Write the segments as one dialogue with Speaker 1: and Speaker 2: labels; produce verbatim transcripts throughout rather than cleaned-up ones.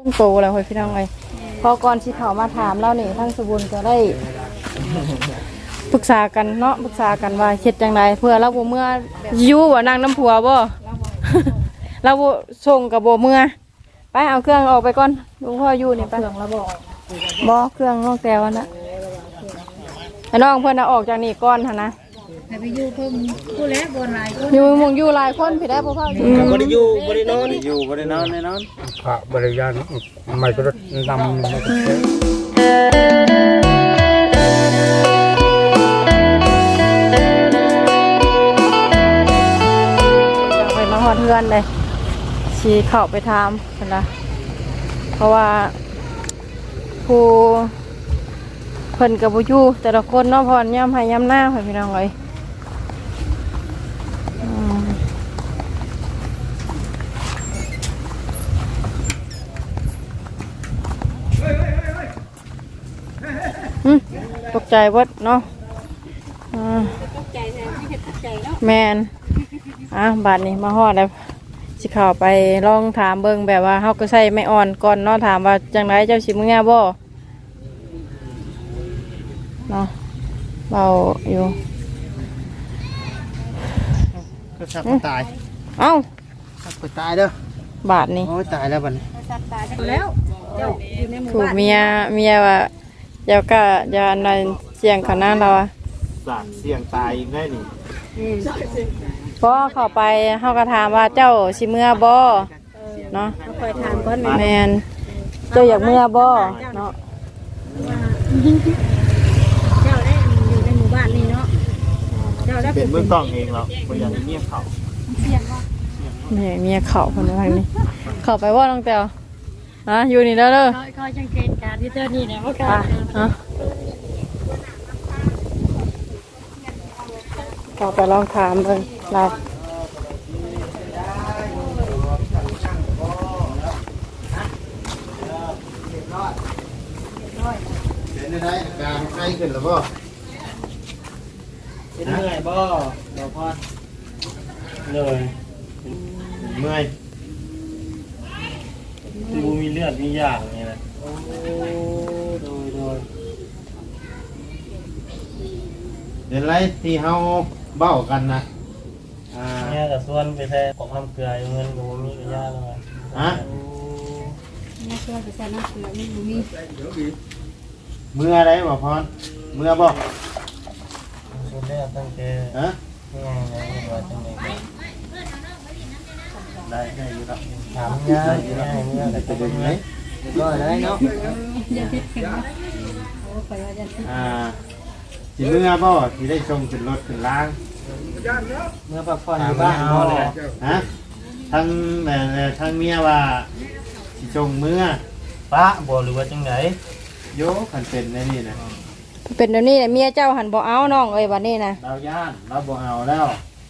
Speaker 1: งโตแล้วเฮ้ยพี่น้องเอ้ยพอก่อนสิเข้ามาถามเรานี่ทั้งสบุญก็ได้ปรึกษากันเนาะปรึกษากันว่าเฮ็ดจังไดเพื่อเราบ่เมื่ออยู่ว่านางน้ำผัวบ่ เราบ่ส่งกับบ่เมื่อไปเอาเครื่องออกไปก่อนลุงพ่ออยู่นี่ไปเครื่องเราบ่บ่เครื่องน้องแต้วน่ะให้น้องเพิ่นเอาออกจากนี่ก่อนหั่นนะ
Speaker 2: ให้ไปอยู่เพิ่มผู้แล้วบ่หลายคน
Speaker 1: อยู่มงอยู่หลายคนพี่ได้บ่พ่ออยู่
Speaker 3: บ่ได้อยู่บ่ได้นอนอยู่บ่ได้นอนแน่นอน
Speaker 4: พระบริยานไม่ก็รถนำ
Speaker 1: ไปมาฮอดเฮือนเลยสิเข้าไปถามซั่นล่ะเพราะว่าผู้เพิ่นก็บ่อยู่แต่ละคนเนาะพรย่ำให้ย่ำหน้าให้พี่น้องเอ้ยตกใจเบิดเนาะตกใจแทนไม่เห็นตกใจเนาะแมนอ่ะบาดนี้มาฮอดแล้วสิเข้าไปลองถามเบิ่งแบบว่าเฮาก็ใส่ไม่อ่อนก่อนเนาะถามว่าจังไดเจ้าสิมื้อบ่เนาะเบาอยู่
Speaker 3: ก็สับตาย
Speaker 1: เอ้า
Speaker 3: สับตายเด้
Speaker 1: อบาดนี้
Speaker 3: โอ้ยตายแล้วบัดนี้
Speaker 2: ตายแล้วเจ้าอยู่ในหมู่
Speaker 1: ถูก
Speaker 2: บ้าน
Speaker 1: เมียเมียว่าเดี๋ยวก็จะนั่นเสียงเขาหน้าเราอ่ะ
Speaker 3: สาดเสียงตายอีกได้นี่
Speaker 1: พอเข้าไปเฮาก็ถามว่าเจ้าสิเมื่อบ่เนาะ
Speaker 2: เขาคอยถามก่อน
Speaker 1: แม่นเจ้าอยากเมื่อบ่เนาะ
Speaker 2: เจ้าได้อยู่ในหมู่บ้านนี่เนาะเจ้าได้
Speaker 3: เป็นเมืองต้องเองแล้วบ่อยากให้เมียเขา
Speaker 2: เสียงบ่
Speaker 1: แม่เมียเข้าเพิ่นว่าทางนี้เข้าไปบ่น้องแต้วฮะอยู่นี่เด้อเด้อ
Speaker 2: คอยสังเกตการที่เจ้านี่แหละว่าก็
Speaker 1: ฮะเข้าไปลองถามเบิ่งลา
Speaker 3: เป็นได้อาการไข้ขึ้นแล้วบ่เป็นเมื่อยบ่บ่พอเหนื่อยเมื่อยดูมีเลือดมีอย่างนี่นะโอ้โดยโดยเดี๋ยวไรที่เฮาเบ้ากันนะอ่าเนี่ยกับส่วนไปแท้ของน้ำเกลือเงินกับมีกับยาเลยฮะ
Speaker 2: นี่ช่วยไปใส่น้ำเกลือนี่มี
Speaker 3: เมื่อไรบ่พรเมื่อบ่สุดแล้วตั้งแต่ฮะนี่ไงนี่ว่าจังไงได้ได้อยู่ครับถามยาได้อยู่แล้วเมื่อแต่จะเป็นไงก็ได้เนาะอ่าสิเมื่อบ่ที่ได้ชมขึ้นรถขึ้นล้างเมื่อพักผ่อนอยู่บ้านบ่เลยฮะทั้งแม่ทั้งเมียว่าสิชมเมื่อป้าบ่หรือว่าจังไงโยขันเป็นในนี่นะ
Speaker 1: เป็นเดี๋ยวนี้เมียเจ้าหันบ่เอาน้องเอ้ยบัดนี้นะ
Speaker 3: เราย่านเราบ่เอาแล้ว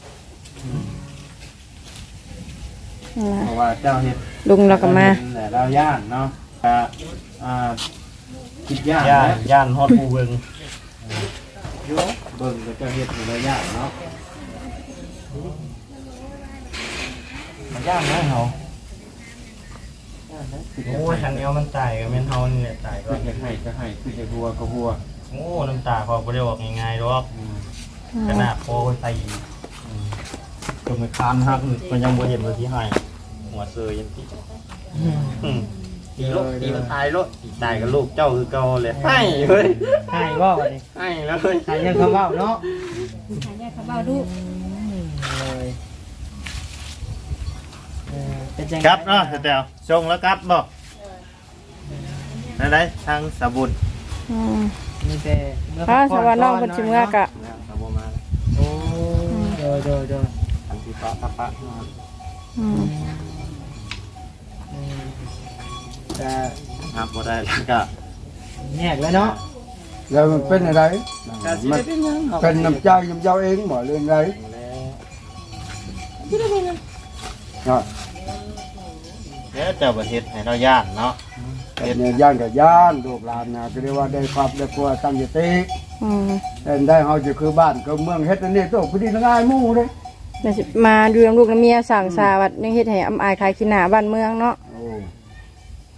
Speaker 3: เพราะว่าเจ้าเฮ็ด
Speaker 1: ลุงเราก็มา
Speaker 3: แต่เราย่านเนาะอ่าคิดย่านย่านย่านฮอดผู้เบิ่งโยเบิ่งก็จะเฮ็ดอยู่ระยะเนาะมันย่านนะเฮาโอ้ยคันเอวมันตายก็แม่นเฮานี่แหละตายก็อยากให้ก็ให้คือจะหัวก็หัวโอ้น้ำตาพอบ่ได้ออกง่ายๆดอกขนาดพอใส่ตรงคานหักมันยังบ่เห็นว่าสิให้หัวเซยยังติตีลูกตีมันตายลูกตายกับลูกเจ้าคือเก่าเลยให้เฮ้ย
Speaker 4: ให้บ่บัดนี้
Speaker 3: ให้แล้วเฮ้ย
Speaker 4: ให้ยังเขาเว้าเนาะ
Speaker 2: ให้ยังเขาเว้าลูก
Speaker 3: ครับเนาะแถวชงแล้วครับบ่ไหนๆทางสะบุญ
Speaker 4: นี่แต่
Speaker 1: ถ้าสวรรค์น้องเป็นชิมเงากะ
Speaker 3: สะบุญมา
Speaker 4: โอ้โดยโดยโดย
Speaker 3: อันที่ปะปะปะ
Speaker 4: แต่
Speaker 3: ครับบ่ได้ก็
Speaker 4: แยกแล้วเนาะ
Speaker 5: แล้วมันเป็นอะไรมันเป็นน้ำใจน้ำเจ้าเองหมดเรื่องไรเนาะ
Speaker 3: เนี่ยเจ้าประเทศให้เราย่านเนาะ
Speaker 5: เป็นย่านกับย่านลูกหลานนะก็เรียกว่าได้ความได้กลัวตั้งใจตีแต่ได้เฮาจะคือบ้านก็เมืองเฮ็ดนั่นนี่ต้องพอดีง่ายมู่เลย
Speaker 1: มาดูน้ำลูกน้ำเมียสั่งสาวัดยังเฮ็ดให้อำอายขายขี้หน้าบ้านเมืองเนาะ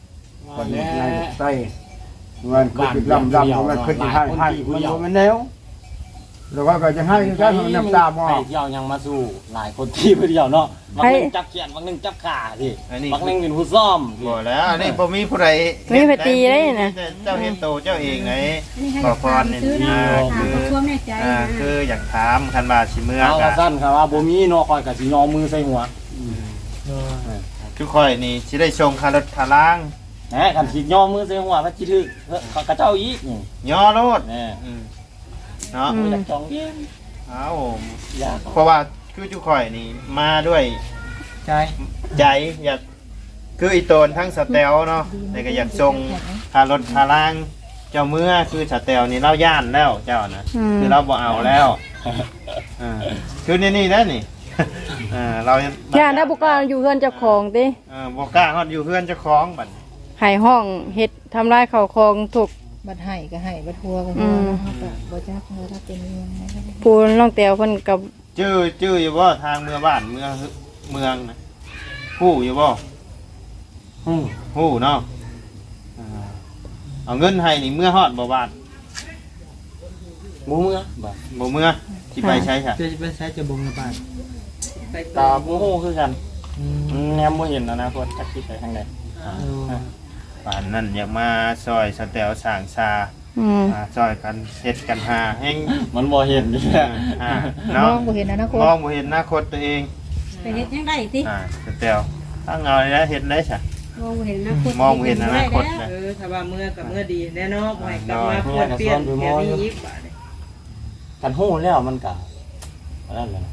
Speaker 5: คนในใต้เงินคือลำลำมันคือให้ให้มันมันแนวแล้วก็จะให้ก็น้ำตาหม้อ
Speaker 6: ไปเที่ยวยังมาสู้หลายคนที่ไปเที่ยวเนาะบางนึงจับเขียนบางนึงจับขาที่บางนึงเป็นผู้ซ่อม
Speaker 3: บ่แล้วอันนี้บ่มีผู้ใด
Speaker 1: มีไปตีได้นะ
Speaker 3: เจ้าเฮ็ดโตเจ้าเองไง
Speaker 2: อันนี้ให้
Speaker 3: ขอ
Speaker 2: กับ
Speaker 3: พ
Speaker 2: ทาร น
Speaker 3: นี่
Speaker 2: ซื้อนะ
Speaker 3: อ่า
Speaker 2: ถาม
Speaker 3: คือ
Speaker 2: ความแน่ใจ
Speaker 3: อ่า
Speaker 2: นะ
Speaker 3: คืออยากถามคันว่าสิเมื่อ
Speaker 6: เอาก
Speaker 3: กั
Speaker 6: ระสั้นครับว่าบ่มีเนาะคอยกับสิยอมือใส่หัว
Speaker 3: ทุกค่อยนี่สิได้ส่งค่ารถค่าล้าง
Speaker 6: แหมกันสิยอมือใส่หัวว่าจิถึกกระเจ้าอีกนี่
Speaker 3: ย่อรถ
Speaker 6: แน่
Speaker 3: อืมเนาะ
Speaker 6: อยากจองเยี่ยม
Speaker 3: เอ้า
Speaker 6: อยาก
Speaker 3: เพราะว่าคือทุกค่อยนี่มาด้วย
Speaker 4: ใช่
Speaker 3: ใจอยากคืออีโตนทั้งสเตลเนาะแต่ก็อยากส่งค่ารถค่าล้าง เจ้าเมื่อคือสเตลนี่เราย่านแล้วเจ้านะ
Speaker 1: อืม
Speaker 3: คือเราบ่เอาแล้วอ่าคือนี่นี่นะนี่ อ่าเรา
Speaker 1: ย่านถ้าบุกล้าอยู่เฮือนเจ้าของติ
Speaker 3: เออบ่กล้าฮอดอยู่เพื่อนเจ้าของบัด
Speaker 1: ให้ห้องเฮ็ดทำลายข้าวของถูก
Speaker 2: บัดให้ก็ให้บัดทัวก็
Speaker 1: อื
Speaker 2: ทัว
Speaker 1: ม
Speaker 2: เฮาก็บ่จักเฮาถ้าเป็นเรื่องนะ
Speaker 1: ปูนน้องแต้วเพิ่นกับ
Speaker 3: ชื่อชื่ออยู่บ่ทางเมืองบ้านเมืองเมืองนะฮู้อยู่บ่
Speaker 6: อืม
Speaker 3: ฮู้เนาะอ่าเอาเงินให้นี่เมื่อฮอดบ่บาท
Speaker 6: หมูเมื่อบ่
Speaker 3: บ่เมื่อสิไปใช้ค่ะ
Speaker 4: จะไปใช้จะบ่งระบาด
Speaker 6: ตาหมูฮู้คือกัน
Speaker 4: อืม
Speaker 6: อืมแนมบ่เห็นอนาคตจักสิไปทางใด
Speaker 4: เออ
Speaker 3: ป่านนั้นอยากมาซอยสแตลสร้างชา
Speaker 1: อืม
Speaker 3: อ่าซอยกันเฮ็ดกันหาแฮง
Speaker 6: มันบ่เห็นนี่แหละ
Speaker 3: อ่าม
Speaker 2: อ
Speaker 3: เนาะ
Speaker 2: งบ่เห็นอนาคต
Speaker 3: มองบ่เห็นอนาคตตัวเอง
Speaker 2: ไปเฮ็ดยังได้ติ
Speaker 3: อ่าสแตลถ้าเงาได้เฮ็ดได้ซะ
Speaker 2: มองบ่เห็นอนาคต
Speaker 3: มองบ่เห็นอนาคตนะ
Speaker 4: เออถ้าว่าเมื่อกับเมื่อดีแน่เนอนบ่ให้กลับมาเปลี่ยนเปลี่ยนแค่นี้อีกบาดนี้
Speaker 6: กันฮู้แล้วมันก็อันนั้นแหละ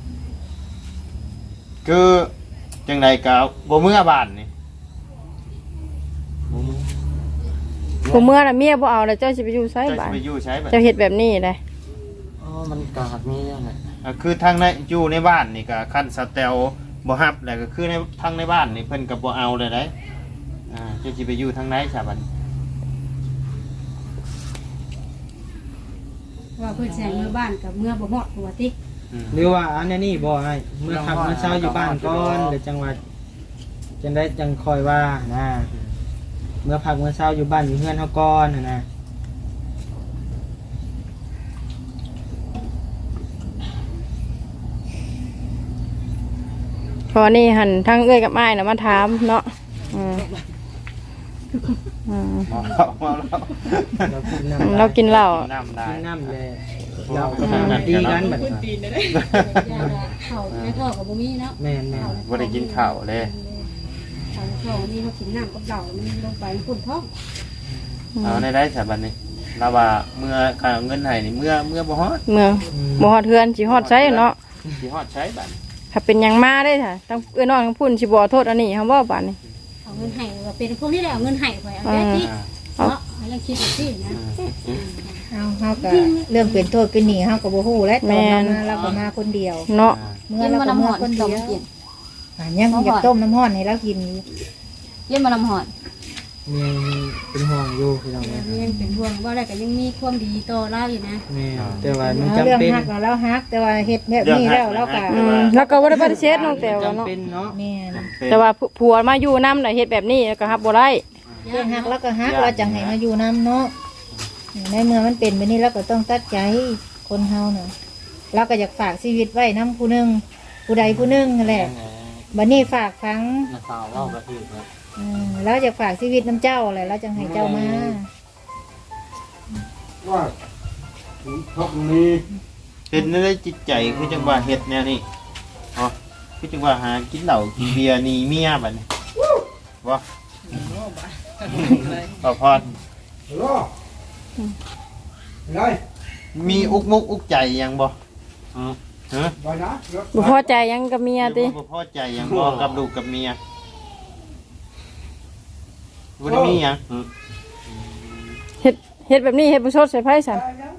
Speaker 3: คือจังไดก็บ่เมื่อบ้านนี่
Speaker 6: หมูเมื่อ
Speaker 1: กูเมื่อน่ะเมียบ่เอาแล้วเจ้าสิไปอยู่ไส
Speaker 3: เจ้า
Speaker 1: บ้า
Speaker 3: สิ
Speaker 1: น
Speaker 3: ไปอยู่ใช้บัด
Speaker 1: เจ้าเฮ็ดแบบนี้ได้
Speaker 6: อ๋อมันกาดมีอย่างไร
Speaker 3: อ่าคือทางในอยู่ในบ้านนี่ก็คันสแตลบ่ฮับแล้วก็คือในทางในบ้านนี่เพิ่นก็บ่เอาเลยได้อ่าเจ้าสิไปอยู่ทางไหนซะบัด
Speaker 2: ว่าเพิ่นแซงเมื่อบ้านกับเมื่อบ่ฮอดตัวติ
Speaker 3: อืม
Speaker 4: หรือว่าอันนี้บ่ให้เมื่อขับเมื่อเช้าอยู่บ้านก่อนหรือจังหวัดจังได้จังคอยว่านะเมื่อพักเมื่อเช้าอยู่บ้านอยู่เฮือนเฮาก่อนน่ะนะ
Speaker 1: พอนี่หันทั้งเอ้ยกับอ้ายน่ะมาถามเนาะอืมอืม
Speaker 3: เมาแล้วเมาแล้ว
Speaker 4: เรากินน้ำ
Speaker 1: เรากินเหล้า
Speaker 3: น้ำได้
Speaker 4: กินน้ำเลยเราก็มาดีกันบัดนี้
Speaker 2: ย่าละเข้าในท้องก็บ่มีเนาะ
Speaker 4: แม่นแม่น
Speaker 3: บ่ได้กินข้าวเลย
Speaker 2: เอาท้องนี่เฮากินน้ำกับเหล้ามันลงไปมันปุ่นท้อง
Speaker 3: เอาในได้ซะบัดนี้เราว่าเมื่อค่าเงินให้นี่เมื่อเมื่อบ่ฮอด
Speaker 1: เมืองบ่ฮอดเฮือนสิฮอดไสเนาะ
Speaker 3: สิฮอดใช้บัด
Speaker 1: ถ้าเป็นหยังมาได้ค่ะทั้งเอ้ยน้องทั้งพุ่นสิบ่โทษอันนี้คำว่าบาดนี้
Speaker 2: เอาเงินให้ว่าเป็นพวกนี้แหละเอาเงินให้ข่อยเอาได้ติ
Speaker 3: อ่า
Speaker 2: เนาะยังคิดอยู่สินะ
Speaker 7: เอาเฮาก็เรื่องเป็นโทษเป็นหนี้เฮาก็บ่ฮู้และตอนเรามาเราก็มาคนเดียว
Speaker 1: เนาะ
Speaker 7: เมื่อเราก็มาคนเดียวอ่ะยังอยากต้มน้ำร้อนให้เรากินอยู่
Speaker 2: เย็นมาลำหอด
Speaker 4: มีเป็นห่วงอยู่พี่น้องแม่
Speaker 2: ยังเป็นห่วงว่าอะไรก็ยังมีความดีต่อเราอยู่นะ
Speaker 4: แม่แต่ว่ามัน
Speaker 7: เอา
Speaker 4: จำ
Speaker 7: เรื่อง
Speaker 4: เป็น
Speaker 7: ฮักเราเราฮัก แต่ว่าเฮ็ดแบบนี้แล้วเราก็
Speaker 1: อืมแล้วก็บ่ได้ปฏิเสธน้องแต้ว
Speaker 4: จำ
Speaker 1: เนาะ
Speaker 4: เป็นเนาะ
Speaker 7: แม่น
Speaker 1: แต่ว่าผัวมาอยู่นำน่ะเฮ็ดแบบนี้แล้วก็รับบ่ได้
Speaker 7: เรื่องฮักเราก็ฮักเราจังให้มาอยู่นํเนาะในเมื่อมันเป็นแบบนี้เราก็ต้องตัดใจคนเฮาน่ะเราก็อยากฝากชีวิตไว้นํผู้หนึงผู้ใดผู้หนึงนั่นแหละบัดนี้ฝากฟัง
Speaker 6: นักข่าวเล่ากระทืบครับ
Speaker 7: อืมเราอยากฝากชีวิตน้ำเจ้าแหละเราจังให้เจ้ามา
Speaker 5: ว่าพวกนี้
Speaker 3: เป็นในจิตใจคือจังว่าเฮ็ดแนวนี้อ๋อคือจังว่าหากินเหล้ากินเบียร์หนีเมียบัดนี้บ่บ่พอด
Speaker 5: รอไร
Speaker 3: มีอุกมุกอุกใจหยังบ่ฮะ
Speaker 5: ไปนะ
Speaker 1: บ่พอใจหยังกับเมียติ
Speaker 3: บ่พอใจหยังบ่กับลูกกับเมียบ่ได้มีหยัง
Speaker 1: เฮ็ดเฮ็ดแบบนี้เฮ็ดบ่ชดใส่ไผซั่น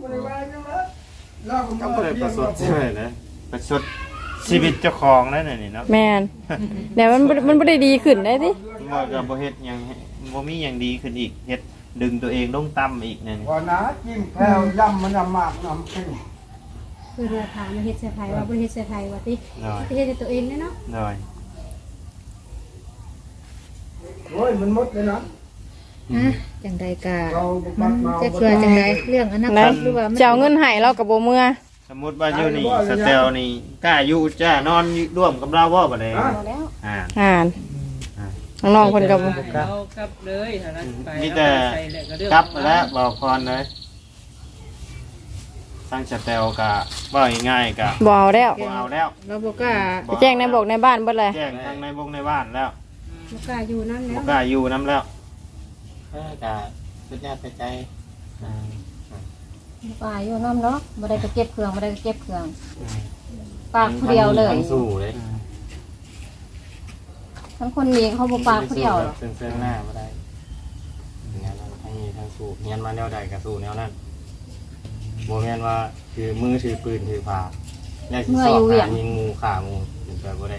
Speaker 3: ก็บ่ได้ประสดใช่ไหมนะประสดชีวิตเจ้าของนั่นน่ะนี่เนาะ
Speaker 1: แม่นแต่มันบ่มันบ่ได้ดีขึ้นได้ติ
Speaker 3: บ่ก็บ่เฮ็ดหยังบ่มีหยังดีขึ้นอีกเฮ็ดดึงตัวเองลงต่ำอีกนั่น
Speaker 5: ว่านะจิ้มแพ้วยำมันน้ำมากน้ำขึ้น
Speaker 2: คือเราถามมาเฮ็ดเสียไทยว่าบ่เฮ็ดเสียไทยว่าติ
Speaker 3: น้อย
Speaker 2: เฮ็ดให้ตัวเองเนาะ
Speaker 3: น้อย
Speaker 5: โอ้ยมันหมดเลยนะ
Speaker 7: นะจังใดกะมันจะเชื่อจังใดเรื่องอนาค
Speaker 1: นะ
Speaker 7: ตหรือว่ามัน
Speaker 1: เจ้าเงินให้เรากับบ่เมื่อ
Speaker 3: สมมุติว่าอยู่นี่สเตลนี่กล้าอยู่จ้านอนร่วมกับเราบ่บัดนี้อ่า
Speaker 1: อ่านน้องๆเพิ่นก็บ่
Speaker 4: ครับ
Speaker 8: เอากลับเลยถ้านั้นไป
Speaker 3: มีแต่
Speaker 8: ใส่แล้วก็เรื่อง
Speaker 3: กลับแล้วบอกพรเลยตั้งสเตลกะว่าง่ายๆกะ
Speaker 1: บ่เอาแล้ว
Speaker 3: บ่เอาแล้ว
Speaker 7: เราบอกว่า
Speaker 1: ไปแจ้งในบอกในบ้านเบิดเลย
Speaker 3: แจ้งทางในวงในบ้านแล้ว
Speaker 2: บ่กล้าอยู่นั่นแล้
Speaker 3: บ่
Speaker 2: ว
Speaker 3: กล้าอยู่น้ำแล้ว
Speaker 6: เออกะสุดยอดไปใจอ่า
Speaker 9: ป่าอยู่น้ำเนาะบ่ได้ก็เก็บเครื่องบ่ได้ก็เก็บเครื่องปากผู้เดียวเลย
Speaker 6: ทั้งสู้เลย
Speaker 9: ทั้งคนมีเขาบ่ปากผู้เดียวหรอก
Speaker 6: เสื่องๆหน้าบ่ได้งานเราทั้งนี้ทั้งสู้เงียนมาแนวใดก็สู้แนวนั้นบ่แม่นว่าถือมือถือปืนถือผ้าแล้วสิสอบหายิงงูฆ่างูเป็นไปบ่ได้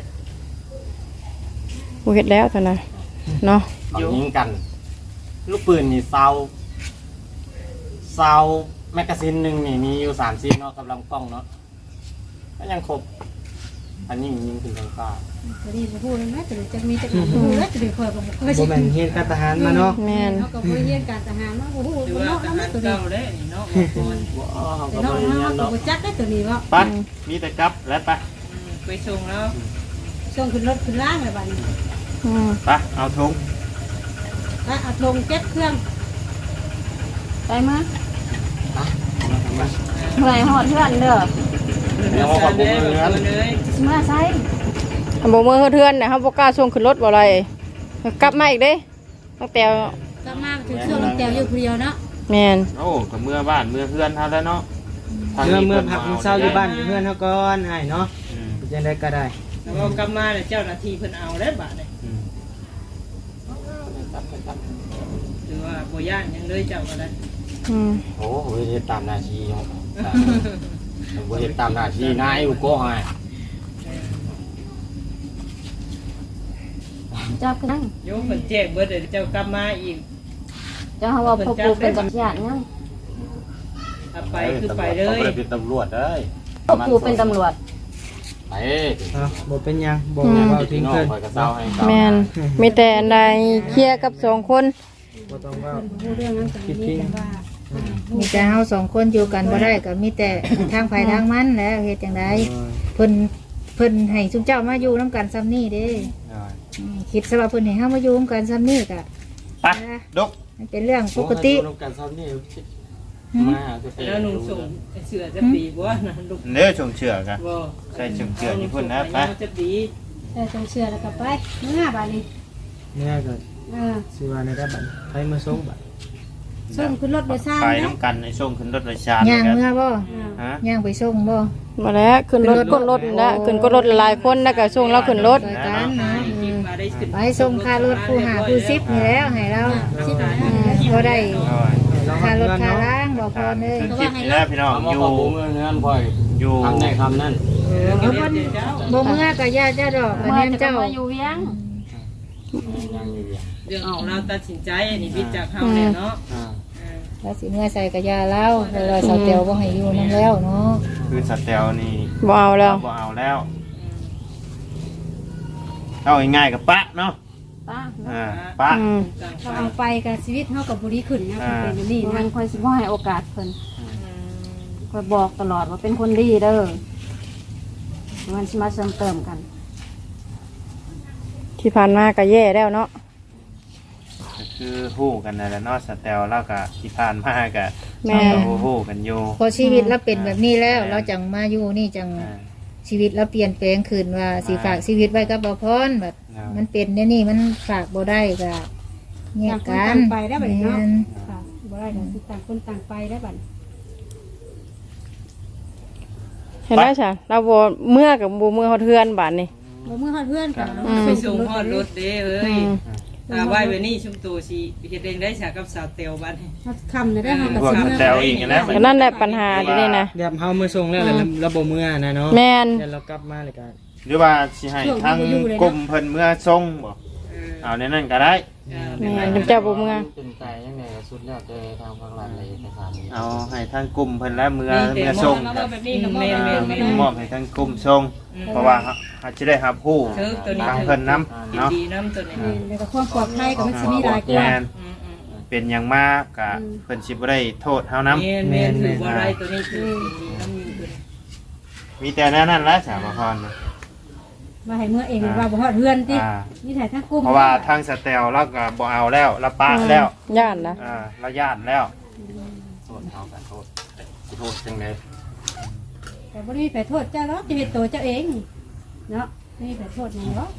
Speaker 1: บ่เฮ็ดแล้วตอนนั้นเนาะ
Speaker 6: ต้องยิงกัน ลูกปืนนี่เซาเซาแมกกาซีนหนึ่งนี่มีอยู่สามซีนเนาะกับลำกล้องเนาะก็ยังครบอันนี้ยิงขึ้นทางฟ้า
Speaker 2: จะได้บ่ฮู้เลยนะจะได้จักมีจักบ่ฮู้แล้วจะได้คอยก็บ่เคย
Speaker 4: บ่
Speaker 2: สิ
Speaker 4: แม่นเฮียนการทหารมาเนาะ
Speaker 1: แม่น
Speaker 2: เฮาก็บ่เรียนการทหารมาบ่ฮู้
Speaker 8: หรือ
Speaker 2: บ่
Speaker 8: ว่า
Speaker 2: เนาะ
Speaker 8: ท
Speaker 2: นำ
Speaker 8: หาร
Speaker 2: ตัวนี้
Speaker 8: เก่าได้นี่เนาะบางคน
Speaker 6: ว้าวเขา
Speaker 2: แต่
Speaker 6: ก็
Speaker 2: เนาะ
Speaker 6: บริ
Speaker 2: เฮา
Speaker 6: ญาณ
Speaker 2: ก็
Speaker 6: เนาะ
Speaker 2: บ่จักได้ตัวนี้ว่า
Speaker 3: ไปมีแต่กลับแล้วไป
Speaker 8: อืมไปส่งแล้ว
Speaker 2: ส่งขึ้นรถขึ้นล่างเลยบัดนี้
Speaker 1: อืม
Speaker 3: ไปเอาถุง
Speaker 2: ไปเอาลงเก็บเครื่อง
Speaker 9: ไปมาเมื่อยฮอดเพื่อนเด้อ
Speaker 6: เดี๋ยวเขาขอบุญเงิน
Speaker 8: เลย
Speaker 9: สิมาใส่
Speaker 1: ถ้าบ่เมื่อเทือนน่ะเฮาบ่กล้าส่งขึ้นรถบ่อะไรกลับมาอีกเด้ตั้งแต่
Speaker 2: กลับมาถึงช่วงแตวอยู่ผู้เดียวเนาะ
Speaker 1: แม่น
Speaker 3: โอ้กับเมื่อบ้านเมื่อเพื่อนเท่าแล้วเนาะ
Speaker 4: เมื่อเมื่อพักมื้อเช้าอยู่บ้านอยู่เฮือนเฮาก่อนอ้ายเนาะ
Speaker 3: อืม
Speaker 4: จังได๋ก็ได้
Speaker 8: แล้วก็กลับมาเนี่ยเจ้าหน้าที่เพิ่นเอาแล้วบาดเนี่ย
Speaker 3: อืม
Speaker 8: หรือว่าบ่ย่านยังเลยเจ้าก็ได้
Speaker 1: อืม
Speaker 6: โอ้โหเฮ็ดตามหน้าที่เนาะบ่เฮ็ดตามหน้าที่นายอยู่ก็ให้
Speaker 9: จับกัน
Speaker 8: โยมเพิ่นแจ้งเบิดเลยเจ้ากลับมาอีก
Speaker 9: เจ้าเฮาว่าพ่อปู่เป็นตำรวจยัง
Speaker 8: ถ้าไปคือไปเล
Speaker 6: เขา
Speaker 8: ย
Speaker 6: บ่ได้เป็นตำรวจเด้ย
Speaker 9: พ่อปู่เป็นตำรวจ
Speaker 6: ไป
Speaker 4: เอ้าบ่เป็นหยังบ่เว้า
Speaker 6: พี่
Speaker 4: ทิ้ง
Speaker 6: น้อง
Speaker 4: เพิ่น
Speaker 6: คอยกระเซ้าให้
Speaker 1: แม่นมีแต่อันใดเคลียร์กับสองคน
Speaker 4: บ่ต้องเว้า
Speaker 2: ผู้เรื่องนั้นก็มีแต่ว่า
Speaker 7: มีแต่เฮาสองคนอยู่กันบ่ได้ก็มีแต่ทางไผทางมันแหล้วเฮ็ดจังไดเพิ่นเพิ่นให้ซุมเจ้ามาอยู่นํกันซ้ำนี่เด้อืมคิดซะว่าเพิ่นให้เฮามาอยู่นํกันซ้ำนี่ก็
Speaker 3: ไปดก
Speaker 7: มันเป็นเรื่องปกติ
Speaker 6: โอ้ยอยู่นำกันซ้ำนี่มาจะเป็น
Speaker 8: แล้วหนุ่มส่งเสือจะปีบ่นะลูก
Speaker 3: เนื้อชงเชื่อกัน
Speaker 8: บ่
Speaker 3: ใส่ชงเชื่ออยู่พุ่นนะไป
Speaker 8: จะปี
Speaker 2: แต่จงเชื่อแล้วก็ไปเมื่อบัดนี้
Speaker 4: แม่ก็
Speaker 2: เออ
Speaker 4: สิว่าในระบัดใครมาส่งบัด
Speaker 2: ส่งขึ้นรถโดยสาร
Speaker 3: ไป
Speaker 2: นะ
Speaker 3: น้ำกันในช่วงขึ้นรถประชาน
Speaker 7: ย่าง
Speaker 3: กัน
Speaker 7: เมื่อบ่
Speaker 3: ฮะ
Speaker 7: ย่างไปส่งบ่
Speaker 1: มาแล้วขึ้นรถกดรถนั่นแหละขึ้นกดรถหลายคนแล้วก็ส่งเราขึ้นรถ
Speaker 7: ซอยกันนะ
Speaker 8: คิดมาได้ขึ้น
Speaker 7: ไปส่งค่ารถผู้หาผู้ซิปนี่แล้วให้เรา
Speaker 2: สิบ
Speaker 7: อืมบ่ได้
Speaker 4: เรา
Speaker 7: ค่ารถ
Speaker 4: เงิน
Speaker 7: ค่า
Speaker 4: เนาะ
Speaker 7: ล้างบ่พอเลย
Speaker 3: คือคลิปนี้นะพี่น้อง
Speaker 6: เอามา
Speaker 3: อยู่
Speaker 6: ขอบุญเงินพ่อย
Speaker 3: อยู่
Speaker 6: ทำได้คำนั้น
Speaker 7: เอาเพิ่นบ่เมื่อก็ย่าเจ้าดอกอัน
Speaker 9: เมื่อ
Speaker 7: นี้
Speaker 9: จะ
Speaker 7: เจ้า
Speaker 9: มาอยู่เวียง
Speaker 6: ยังอยู่อย่าง
Speaker 8: เรื่องของเราตัดสินใจนี่วิจากเฮาแน่เนาะ
Speaker 6: อ่า
Speaker 7: แล้วสิเมื่อใส่ก็ย่าเล่าแล้วเราสาวเตียวบ่ให้อยู่นํแล้วเนาะ
Speaker 3: คือสเตลนี่
Speaker 1: บ่เอาแล้ว
Speaker 3: บ่เอาแล้วเอาง่ายๆกับปะเนาะ
Speaker 9: ป้า
Speaker 3: อ่าปะ
Speaker 1: อืม
Speaker 2: เราเอาไปกับชีวิตเฮากับบุรีขึ้นนะ
Speaker 3: อ่า
Speaker 2: เป็นแบบนี้
Speaker 9: มั
Speaker 2: นะ
Speaker 9: นค่อยสิบ่ให้โอกาสเพิ่นค่อยบอกตลอดว่าเป็นคนดีเด้อมันสิมาเสริมเติมกัน
Speaker 1: ที่ผ่านมาก็แย่แล้วเนาะ
Speaker 3: ก็คือฮู้กันนั่นแหละเนาะสเตลแล้วก็ที่ผ่านมาก็
Speaker 1: แม่
Speaker 3: เราก็ฮู้กันอยู่
Speaker 7: พอชีวิตเราเป็นแบบนี้แล้วเราจังมาอยู่นี่จัง
Speaker 3: อ่า
Speaker 7: ชีวิตเราเปลี่ยนแปลงขึ้นว่าสิฝากชีวิตไว้กับบ่พรแบบ
Speaker 3: อ่ามั
Speaker 7: มันเป็นเนี่ยนี่มันฝากบ่ได้ก็แยกกัน
Speaker 2: ต่างคนต่างไปได้บัดนี้เนาะ
Speaker 7: แม่น
Speaker 2: ค่ะบ่ได้ก็สิต่างคนต่างไปได้บัดนี้
Speaker 1: เห็นแล้วจ้ะเราบ่เมื่อกับบ่เมื่อเฮาเทือนบาดนี้
Speaker 2: บ่เมื่อฮอดเพื่อนกัน
Speaker 1: อืม
Speaker 8: ไปส่งฮอดรถเด้เอ้
Speaker 1: อื
Speaker 8: ย
Speaker 1: ม
Speaker 8: ตาไหว้ไว้นี่ชุมตัวสิเฮ็ดเองได้ฉากกับสาวเตียวบัดนี้
Speaker 2: ฮอดค่ำได้เฮาก็
Speaker 3: พวก
Speaker 2: สิ
Speaker 3: ส
Speaker 2: เมื่อ
Speaker 3: เตลอีกแล้ว
Speaker 1: ก็นั่นแหละปัญหาเดี๋ยวนี้นะ
Speaker 4: แบบเฮามือส่งแล้วแล้วเราบ่มือนะเนาะ
Speaker 1: แม่น
Speaker 4: แล้วเรากลับมาเลยกัน
Speaker 3: หรือว่าสิให้ทางกลุ่มเพิ่นเมื่อส่งบ่
Speaker 8: เออ
Speaker 3: เอาในนั้นก็ได้
Speaker 1: แม่นเจ้าบ่เมื่อ
Speaker 6: เป็นใจยังไงสุดแล้วแต่ทางฝั่งหลังในเอกสารนี้
Speaker 3: เอาให้ทางกลุ่มเพิ่นและเมื่อเมื่อส่ง
Speaker 8: แล้
Speaker 3: ก็
Speaker 8: วแบบนี้ก็แม่นแม่นแม่น
Speaker 3: มอบให้ทางกลุ่มส่งเพราะว่าเขาจะได้รับผู้
Speaker 8: เชิญตัวนี้
Speaker 3: ทางเพิ่นนำเนาะ
Speaker 8: ดีน้ำตัวนี้
Speaker 2: แล้วก็ความปลอดภัยก็มันสิมีหลายกว่า
Speaker 3: แม่น
Speaker 8: อืมอืม
Speaker 4: เป็นหยังมากกะเพิ่นสิบ่ได้โทษเฮานำ
Speaker 8: แม่นแม่นถือว่าไรตัวนี้คือดีน้ำมีตัวนี้
Speaker 4: มีแต่แนั้นนั่นแหละสามพรนะ
Speaker 2: มาให้เมื่อเองว่าบ่ฮอดเฮือนติ
Speaker 4: อ่า
Speaker 2: นี่ถ่ายทั้งกลุ่ม
Speaker 4: เพราะว่าทางสแตลเราก็บ่เอาแล้วเราปะแล้ว
Speaker 1: ย่านนะ
Speaker 4: อ่าเราญาติแล้ว
Speaker 6: โทษเอากันโทษสิโทษจังได๋
Speaker 2: แต่บ่ได้มีไปโทษเจ้าหรอกจะเฮ็ดตัวเจ้าเองเนาะไม่มีไปโทษหยังหรอก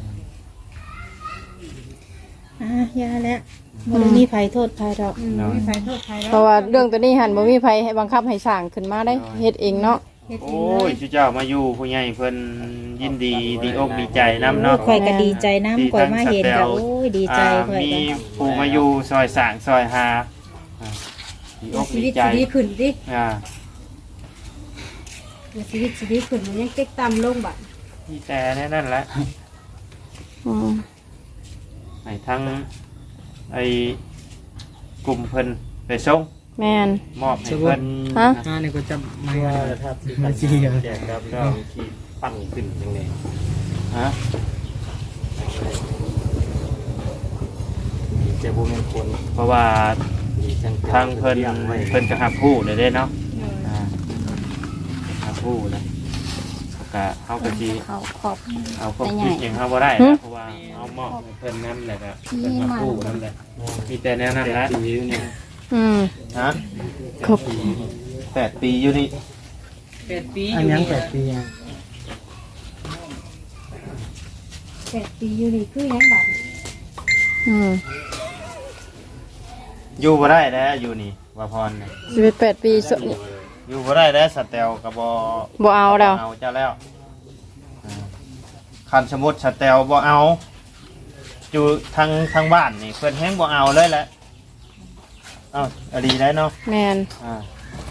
Speaker 7: อ่ะยาแล้วบ่ได้มีไผโทษไผดอก
Speaker 2: อืมบ่มีไปโทษใครหรอก
Speaker 1: เพราะว่าเรื่องตัวนี้หันบ่มีไผให้บังคับให้สร้างขึ้นมาได้เฮ็ดเองเนาะ
Speaker 2: เฮ็ดเอ
Speaker 4: โอ้
Speaker 2: งเลย
Speaker 4: ยชื่อเจ้ามาอยู่ผู้ใหญ่เพิ่นยินดีดีอกดีใจนํเนาะ
Speaker 7: ข่อยก็ดีใจน้ำข่อยมาเห็นก็โอ้ยดีใจ
Speaker 4: อ่า
Speaker 7: ข่อย
Speaker 4: มี
Speaker 7: ก็
Speaker 4: ผู้มาอยู่ซอยสร้างซอยหาอ่าดีอก
Speaker 2: ชี
Speaker 4: ดี
Speaker 2: วิต
Speaker 4: ใจ
Speaker 2: สิดีขึ้นติ
Speaker 4: อ่า
Speaker 2: ชีวิตสิดีขึ้นมันยังเต็กต่ำลงบัด
Speaker 4: มีแต่แน่นั่นแหละ
Speaker 1: อืม
Speaker 4: ให้ทั้งไอ้กลุ่มเพิ่นไปส่ง
Speaker 1: แม่น
Speaker 4: มอบให้เพิ่น
Speaker 1: ฮะ
Speaker 4: อ่านี่ก็จะไม่
Speaker 6: ว่า
Speaker 4: ว่า
Speaker 6: ถ้าสิ
Speaker 4: มา
Speaker 6: มา
Speaker 4: จี้
Speaker 6: จี้
Speaker 4: กัน
Speaker 6: แจกครับก็ที่ปั้นขึ้นจังได๋
Speaker 4: ฮะ
Speaker 6: จะบ่แม่นคน
Speaker 4: เพราะว่า
Speaker 6: ดีจัง
Speaker 4: ทางเพิ่นเพิ่นก็หับผู้เลยเด้เนาะอ่าหับผู้เลยก็เฮาก็สิ
Speaker 9: เขาขอบ
Speaker 4: เอาความคิดอย่างเฮาบ่ได้นะเพราะว่าเอามอบให้เพิ่นนำแหละก็เพิ่นหับผู้นำแหละมีแต่แนวนั้นแหละ
Speaker 6: ปีอยู่นี่
Speaker 1: อืม
Speaker 4: ฮะ
Speaker 1: ครบ
Speaker 4: แปดปีอยู่นี่
Speaker 8: แปดปี
Speaker 4: อันยังแปดปีอ่ะ
Speaker 2: แปดปีอยู่นี่คือหยังบัด
Speaker 1: อืม
Speaker 4: อยู่บ่ได้แล้วอยู่นี่ว่าพรน่ะ
Speaker 1: ชีวิตแปดปีส
Speaker 4: อยู่บ่ได้แล้วสแตลก็บ่
Speaker 1: บ่เอาแล้ว
Speaker 4: เอาเจ้าแล้วอ่าคันสมมุติสแตลบ่เอาอยู่ทางทางบ้านนี่เพิ่นแฮงบ่เอาเลยแหละเอ้าอดีได้เนาะ
Speaker 1: แม่น
Speaker 4: อ่า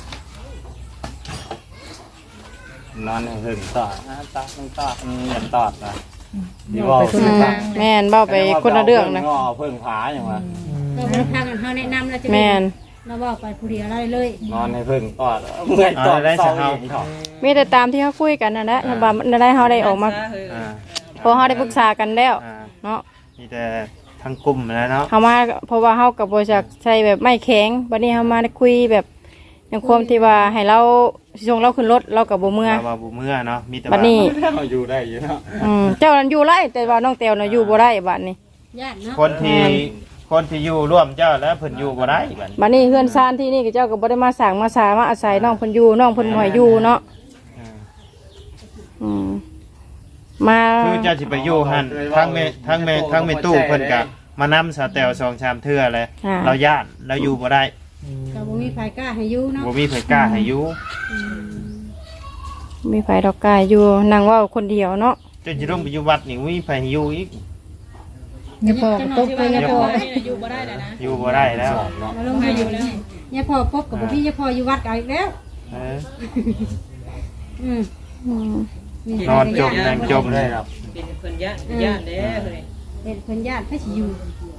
Speaker 6: นอนให้เพิ่นตอดนะตอดมันตอดมันอย่าตอดนะ
Speaker 7: เว้าไปคน
Speaker 1: อื
Speaker 7: ละ
Speaker 1: ม
Speaker 7: ทาง
Speaker 1: แม่นเว้าไปคนละเรื่องนะ
Speaker 6: งอเพิ่งผาอย่างว่า
Speaker 2: เราบ่ได้พากันเฮาแนะนำแล้วจะ
Speaker 1: แม่น
Speaker 2: เราบอกไปผู้เดียวได้เลย
Speaker 6: นอนให้เพิ่งตอดเมื่อยตอดเศร้าอีกเนาะ
Speaker 1: มีแต่ตามที่เขาคุยกันนั่นแหละถ้าว่ามันได้เฮาได้ออกมา
Speaker 4: อ่า
Speaker 1: พอเฮาได้ปรึกษากันแล้ว
Speaker 4: อ่า
Speaker 1: เนาะ
Speaker 4: มีแต่ทางกลุ่มแล้วเนาะ
Speaker 1: เฮามาเพราะว่าเฮากับบริษัทใช้แบบไม่แข็งบัดนี้เฮามาได้คุยแบบอย่างความที่ว่าให้เราส่งเราขึ้นรถเรากับบ่เมื่อ
Speaker 4: เราว่าบ่เมื่อเนาะมีแต่
Speaker 1: บัดนี้
Speaker 6: เราอยู่ได้อยู่เนาะ
Speaker 1: อืมเจ้านั้นอยู่ไรแต่ว่าน้องแต้วน่ะอยู่บ่ได้บัดนี้
Speaker 2: ญาติเนาะ
Speaker 4: คนที่คนที่อยู่ร่วมเจ้าแล้วเพิ่นอยู่บ่ได้บัดนี้
Speaker 1: บัดนี้เฮือนซ่านที่นี่ก็เจ้าก็บ่ได้มาสร้างมาสามาอาศัยน้องเพิ่นอยู่น้องเพิ่นบ่ให้อยู่เนาะ
Speaker 4: อ่า
Speaker 1: อืมมา
Speaker 4: คือเจ้าสิไปอยู่หั่นทั้งแม่ทั้งแม่ทั้งแม่ตู้เพิ่นก็มานำสแตลสองชามเทื่อเลย
Speaker 1: อ่า
Speaker 4: เราย่านเราอยู่บ่ได้
Speaker 2: เราบ่มีไผกล้าให้อยู่เนาะ
Speaker 4: บ่มีไผกล้าให้อยู่
Speaker 1: มีไผดอกกายอยู่นั่งเว้าคนเดียวเนาะ
Speaker 4: จนสิต้องไปอยู่วัดนี่มีไผให้อยู่อีก
Speaker 7: อย่าพอก็ตกไปอย่าพอ
Speaker 8: อยู่บ่ได้แล้วนะ
Speaker 4: อยู่บ่ได้แล้ว
Speaker 2: เราลงมาอยู่แล้วยายพ่อพบกับบ่พี่ยายพ่ออยู่วัดกันอีกแล้ว
Speaker 4: เออ
Speaker 2: อืม
Speaker 1: อืม
Speaker 4: นอนจมนั่งจมเลย
Speaker 8: เป็นคนย่านย่านเด้อเฮ้ย
Speaker 2: เป็นเพิ่นญาติให้สิอยู่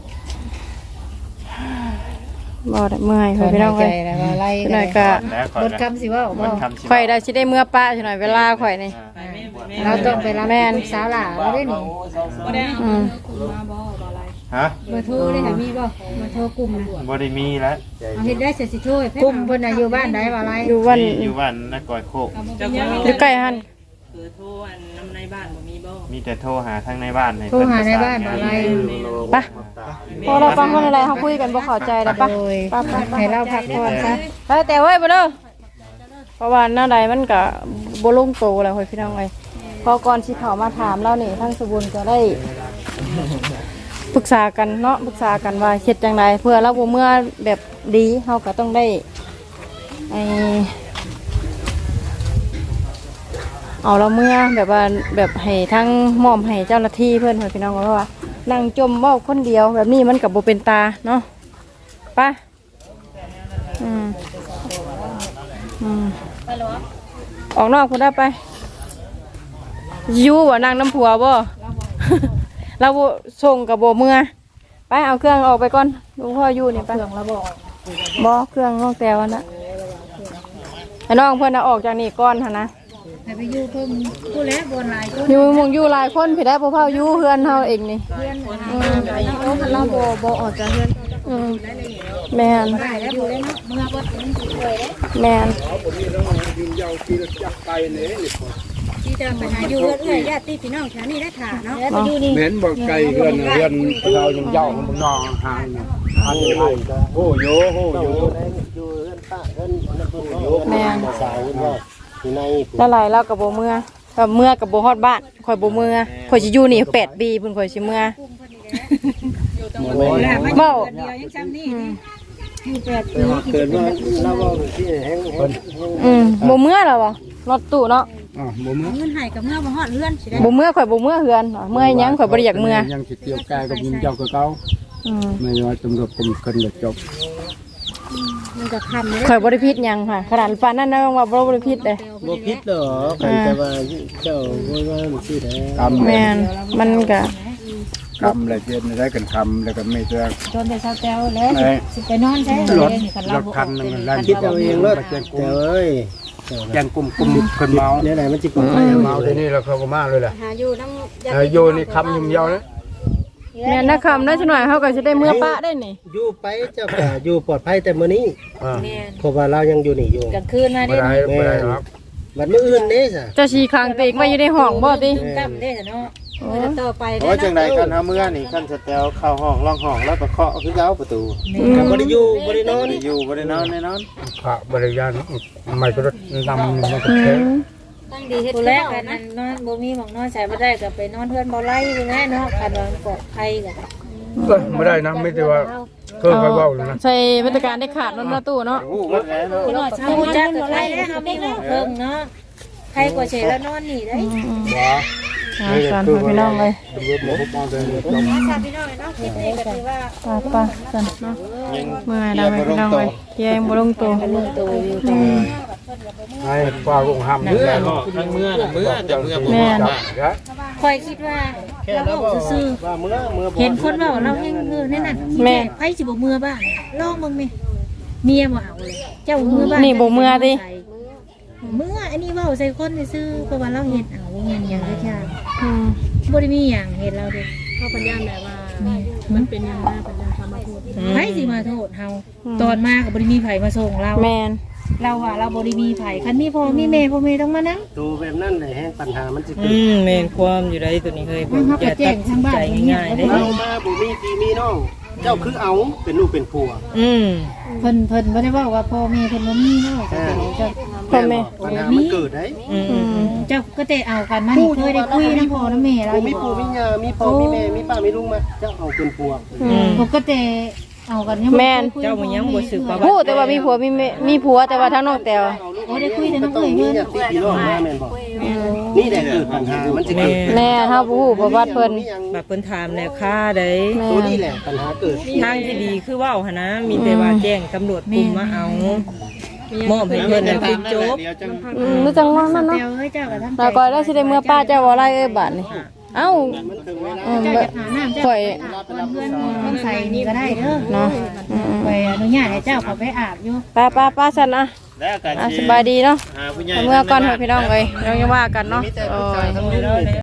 Speaker 1: บ่ได้เมื่อย
Speaker 7: ถ
Speaker 1: เพิ่
Speaker 7: อน น
Speaker 1: พี่น้
Speaker 7: หา
Speaker 1: อง
Speaker 7: ยใจ
Speaker 1: เอ้ย
Speaker 7: แล้วว่าไล่
Speaker 1: พี่
Speaker 7: กั
Speaker 1: น้
Speaker 7: น
Speaker 1: อยก็
Speaker 4: แล้วข่อย
Speaker 7: บท
Speaker 4: ก็
Speaker 7: คำสิเว่าบ่
Speaker 4: มันคำสิ
Speaker 1: ข่อยได้สิได้เมื่อป้าจังหน่อยเวลาข่อยนี่
Speaker 4: อ่า
Speaker 8: ไปแม่ไปแม่
Speaker 7: เราต้องไปรับลูกสาวหล่าเราได้นี่
Speaker 8: บ่ได้
Speaker 1: อืม
Speaker 2: มาบ่บ่อะไร
Speaker 4: ฮะ
Speaker 2: เบอร์โทรได้ค่ะมีบ่เบอร์โทรกลุ่มนะ
Speaker 4: บ่ได้มีแล้ว
Speaker 2: เอาเฮ็ดได้เสร็จสิโทรให้
Speaker 7: กลุ่มเพิ่นน่ะอยู่บ้านใดว่าไร
Speaker 1: อยู่วัน
Speaker 4: มีอยู่บ้านนักกอยโคก
Speaker 8: เจ้า
Speaker 1: อยู่ใกล้หั่น
Speaker 8: คือโทรอันน้ำในบ้านบ่มีบ่
Speaker 4: มีแต่โทรหาทางในบ้านให้
Speaker 7: โทรหาใน
Speaker 4: เพิ่
Speaker 7: บ้าน
Speaker 4: ป
Speaker 7: ว่า
Speaker 4: ระ
Speaker 7: ไร
Speaker 1: ไปพอเราฟังคนอะไรเขาคุยกันบ่เข้าใจแล้วปะ
Speaker 7: โดย
Speaker 1: ไปไปไป
Speaker 7: ให้เราพักผ่อนซะ
Speaker 1: ไปแต่เว้ยบ่เด้อเพราะว่าหน้าใดมันก็บ่ลงโตแล้วเฮ้ยพี่น้องเอ้ยพอก่อนสิเข้ามาถามเรานี่ทั้งสบุญก็ได้ปรึกษากันเนาะปรึกษากันว่าเฮ็ดจังไดเพื่อเราบ่เมื่อแบบดีเฮาก็ต้องได้ไอเอาเราเมื่อแบบว่าแบบให้ทั้งมอมให้เจ้าหน้าที่เพื่อนเฮ้ยพี่น้องเพราะว่านั่งจมเว้าคนเดียวแบบนี้มันก็บ่เป็นตาเนาะไปอืมอืมออกนอกคุณได้ไปอยู่ว่านางน้ำผัวบ่ เราบ่ส่งกับบ่เมื่อไปเอาเครื่องออกไปก่อนลุงพ่ออยู่นี่ไปเครื่องเราบ่บ่เครื่องน้องแต้วนะให้น้องเพิ่นน่ะออกจากนี่ก่อนหั่นนะ
Speaker 7: ให้ไปอยู่เพิ่มผู้แล้วบนหลายคน
Speaker 1: อยู่หมองอยู่หลายคนพี่ได้บ่เผาอยู่เฮือนเฮาเองนี่
Speaker 7: เพื่อนหาแบบนี้โอ้คันเราบ่บ่ออกจากเฮือน
Speaker 1: อืมแม่น
Speaker 7: ได้แล้วอยู่ได้เนาะเมื่อบ่ถึงสิช่วยเด้
Speaker 1: แม่น
Speaker 2: ที่จะไปหาอยู่เอื้อยญาติพี่น้องแถวนี้ได้ถ่าเนาะ
Speaker 7: แล้วไปอยู่นี่
Speaker 5: เหม็นบ่ไก่เฮือนเฮือนเรายังเจ้ามันนองห่างนะอันนี้ไอ้โอ้โยโอ้โย
Speaker 1: แม่นแล้วหลายเรากับโบเมื่อกับเมื่อกับโบฮอดบ้านข่อยโบเมื่อข่อยสิอยู่นี่แปดปีเพิ่นข่อยสิเมื่อเบ้า
Speaker 2: เดียวยังจำนี่
Speaker 7: อยู่แปดปี
Speaker 5: เกิดว่าเราว่าที่แห้งคน
Speaker 1: อืมโบเมื่อแล้วบ่รถตู้เนาะ
Speaker 5: อ๋อบ่มื้อ
Speaker 2: เงินให้กับเมื่อบ่ฮอดเรือนสิได้
Speaker 1: โบเมื่อข่อยโบเมื่อเฮือนเมื่อหยังข่อยบ่ได้อยากเมื่อ
Speaker 5: ยังสิเกี่ยวกายกับยิงเจ้ากับเขา
Speaker 1: อืม
Speaker 5: ไม่ว่าตำรวจกรมกันเลยจบ
Speaker 2: มันก็ค่ำเลย
Speaker 1: ข่อยบ่ได้ผิดหยังค่ะขนาดปานนั้นนะว่าบ่ได้ผิดเด้
Speaker 6: บ่ผิดหรอแต่ว่าเจ้าว่าว่ามันสิได้
Speaker 5: กำ
Speaker 1: แม่นมันก็
Speaker 5: กำเลยเจ็ดได้กันคำแล้วก็ไม่เจอ
Speaker 7: จนได้เช้าแต้วแล้วสิไปนอนใช้
Speaker 5: รถ
Speaker 7: นี่คัน
Speaker 5: ร
Speaker 7: เรา
Speaker 5: ถ
Speaker 7: บ่
Speaker 5: คันนึงลั่น
Speaker 6: คิดเอาเองรถแต่เอ้ย
Speaker 5: แกงกลุ่มกลุ่มคนเมา
Speaker 6: เนี่ยไหนมันสิกด
Speaker 5: เมาทีนี้เราเขาก็มาเลยแหละ
Speaker 2: หาอยู่น้ำญา
Speaker 5: เออ
Speaker 2: ติ
Speaker 5: โยนี่คำยุ่มยาวนะ
Speaker 1: แม่นนะคำนั้นจักหน่อยเฮาก็สิได้เมื่อปะได้นี่
Speaker 6: อยู่ไปเจ้าก็อยู่ปลอดภัยแต่มื้อนี้
Speaker 5: อ่า
Speaker 6: เพราะว่าเรายังอยู่นี่อยู่
Speaker 7: กลางคืนมา
Speaker 5: ไม่
Speaker 7: เด้
Speaker 5: ได้ไม่ได้หรอก
Speaker 6: บัดมื้ออื่นเด้ซะ
Speaker 1: เจะชีคางเตกไว้อยู่ในห้องบ่ติ
Speaker 7: ค่ำเด้เนาะ
Speaker 1: โอ้
Speaker 2: ต่อไป
Speaker 4: โอ้จังไดคันเฮาเมื่อนี่คันสแตลเข้าห้องล็อกห้องแล้วก็เคาะคือเก่าประตู
Speaker 6: ก็บ่ได้อยู่บ่ได้นอน
Speaker 4: บ่ได้อยู่บ่ได้นอนแน่นอน
Speaker 5: พระบริยานไม่ก็รถนำมันก็
Speaker 1: อื
Speaker 5: เท
Speaker 1: ม
Speaker 2: ตั้งดีเฮ็ด
Speaker 7: ผู้แรกกันนั้นนอนบ่มีหมองนอนใส่บ่ได้ก็ไปนอนเพื่อนบ่ไล่อยู่แน่เนาะคันว่าปลอดภัยก็
Speaker 5: ไม่ได้นะไม่ได้ว่าเพิ่มไปว่าเลยนะ
Speaker 1: ใส่มาตรการได้ขาดรถประตูเนาะ
Speaker 4: ฮู้หมดแล้วเนาะ
Speaker 7: เนาะเช้าจักก็ไล่แล้วเฮามีหมองเพิ่งเนาะใครกว่าเฉยแล้วนอนนี่ได้
Speaker 1: อ่าการพาพี่น้องเลย
Speaker 2: ชาพี่น้องเนาะคิดนี่ก็ถือว่า
Speaker 1: ป้าป้าสันเนาะเมื่อไหร่ไปพี่น้องเลยเยี่ยมบ่ลงตัว
Speaker 7: ลงตัวอยู่
Speaker 1: อืม
Speaker 5: ไอ้ฟ้าคงห้าม
Speaker 3: เมื่อเนาะทั้งเมื่อน่ะเมื่อแต่เมื่อบ่
Speaker 1: แม่น
Speaker 7: คอยคิดว่าเราเว้าซื่อ
Speaker 6: ว่ามื้อมื้อ
Speaker 7: ๆเห็นคนเว้าเราแฮงคือนั่นน่ะแม่ไผสิบ่มือบ้านลองเบิ่งแม่เมียบ่เอาเลยเจ้ามือบ้าน
Speaker 1: นี่บ่เมื่อติ
Speaker 7: เมื่ออันนี้เว้าใส่คนซื่อเพราะว่าเราเฮ็ดเอาบ่แม่นหยังเลยค่ะ
Speaker 1: อืม
Speaker 7: บ่ได้มีหยังเฮ็ดเราเด้
Speaker 2: เขาปัญญาแบบว่ามันเป็นยังไงปัญญาธรรมทูต
Speaker 7: ไผสิมาโทษเฮาตอนมาก็บ่ได้มีไผมาส่งเรา
Speaker 1: แมน
Speaker 7: เราว่าเราบ่ได้มีไผคันมีพ่อมีแม่พ่อแม่ต้องมานํ
Speaker 6: ดูแบบนั้นได้แฮงปัญหามันสิเกิ
Speaker 8: อื
Speaker 6: ด
Speaker 8: มแม่นความอยู่ได้ตัวนี้เคยผม
Speaker 7: เขาก็
Speaker 8: จะ
Speaker 7: แจ้
Speaker 8: ตั
Speaker 7: ง
Speaker 8: ด
Speaker 7: ทางบ้าน
Speaker 8: ใจง่ายๆได้
Speaker 6: เรามาบ่มีพี่มีน้องเจ้าคือเอาเป็นลูกเป็นผัว
Speaker 8: อืม
Speaker 7: เพิ่นเพิ่นบ่ได้เว้าว่าพ่อแม่เพิ่นบ่มีเนาะแต่เจ้า
Speaker 1: พ่อแม่
Speaker 6: ปัญหามันเกิดได้
Speaker 8: อืม
Speaker 1: อืม
Speaker 7: เจ้าก็แต่เอากันมานี่เคยได้คุยนำพ่อและแม่เรา
Speaker 6: บ่
Speaker 7: อ
Speaker 6: มี
Speaker 7: ยู่
Speaker 6: ปู่มีย่ามีพ่อมีแม่มีป้ามีลุงมาเจ้าเอาเป็นผัว
Speaker 1: อืม
Speaker 7: ปกติเอากันยัง
Speaker 1: แม่น
Speaker 7: คุย
Speaker 8: เจ้ามันยังบ่สึกว่า
Speaker 1: พูดแต่ว่ามีผัวมีแม่มีผัวแต่ว่าทั้งน้องแตว
Speaker 7: โอ้ได้คุยแต่น้อง
Speaker 6: ต้อ
Speaker 7: เอ้
Speaker 6: ง
Speaker 7: ย
Speaker 6: มี
Speaker 7: เพิ่น
Speaker 6: ญาติพี่น้องมาแม่นบ่นี่แหละคือปัญหามันจะเกิด
Speaker 1: แม่เฮาบ่ฮู้ประวัติเพิ่น
Speaker 8: แบบเพิ่นถามแล้วค่าได้
Speaker 1: แม่
Speaker 6: ตัวนี้แหละปัญหาเกิด
Speaker 8: ทางที่ดีคือเว้าหั่นนะมีแต่ว่าแจ้งตำรวจกลุ่มมาเอามอบให้เพิ่นแล้วคือจบ
Speaker 1: อืมรู้จังว่านั่น
Speaker 7: เจ้า
Speaker 1: เนาะ
Speaker 7: เอ้ยเจ้าก็ทำใจ
Speaker 1: แล้วก็ได้สิได้เมื่อป้าเจ้าว่าไรเอ้ยบาดนี่เอ้าอืม
Speaker 7: เจ้า
Speaker 1: บ่
Speaker 7: จะหาน้ำเจ้า
Speaker 1: ข่อย
Speaker 7: เพื่อนต้องใส่นี่ก็ได้เด้อ
Speaker 1: เนาะอืม
Speaker 7: ไปอนุญาตให้เจ้าเขาไปอาบอยู่
Speaker 1: ป้าป้าป้าซั่นนะ
Speaker 4: แล้วกัน
Speaker 1: อ่ะสบายดีเนาะ
Speaker 4: หาผู้ใหญ่
Speaker 1: เมื่อก่อนเถอะพี่น้องเอ้ยเรายังว่ากันเนาะ
Speaker 4: มีแต่
Speaker 1: โอ้
Speaker 4: ผู้ชาย
Speaker 1: ย
Speaker 4: ทั้งนั้นเลย